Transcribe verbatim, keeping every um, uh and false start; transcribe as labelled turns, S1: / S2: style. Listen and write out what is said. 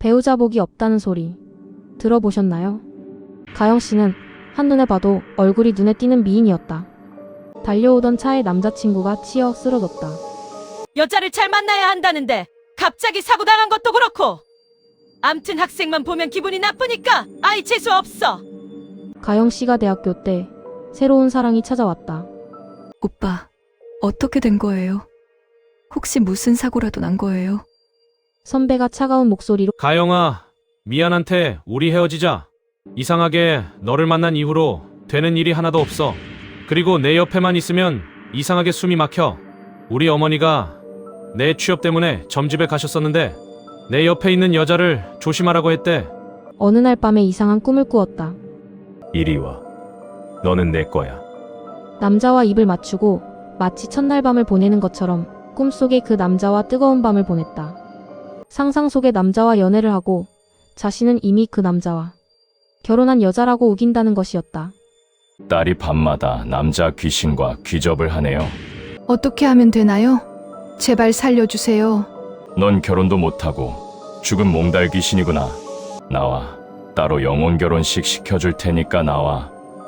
S1: 배우자 복이 없다는 소리 들어보셨나요? 가영 씨는 한눈에 봐도 얼굴이 눈에 띄는 미인이었다. 달려오던 차에 남자친구가 치여 쓰러졌다.
S2: 여자를 잘 만나야 한다는데 갑자기 사고 당한 것도 그렇고. 암튼 학생만 보면 기분이 나쁘니까 아이 재수 없어.
S1: 가영 씨가 대학교 때 새로운 사랑이 찾아왔다.
S3: 오빠, 어떻게 된 거예요? 혹시 무슨 사고라도 난 거예요?
S1: 선배가 차가운 목소리로
S4: 가영아, 미안한테 우리 헤어지자. 이상하게 너를 만난 이후로 되는 일이 하나도 없어. 그리고 내 옆에만 있으면 이상하게 숨이 막혀. 우리 어머니가 내 취업 때문에 점집에 가셨었는데 내 옆에 있는 여자를 조심하라고 했대.
S1: 어느 날 밤에 이상한 꿈을 꾸었다.
S5: 이리 와. 너는 내 거야.
S1: 남자와 입을 맞추고 마치 첫날 밤을 보내는 것처럼 꿈속에 그 남자와 뜨거운 밤을 보냈다. 상상 속의 남자와 연애를 하고 자신은 이미 그 남자와 결혼한 여자라고 우긴다는 것이었다.
S5: 딸이 밤마다 남자 귀신과 귀접을 하네요.
S6: 어떻게 하면 되나요? 제발 살려주세요.
S5: 넌 결혼도 못하고 죽은 몽달 귀신이구나. 나와 따로 영혼 결혼식 시켜줄 테니까 나와.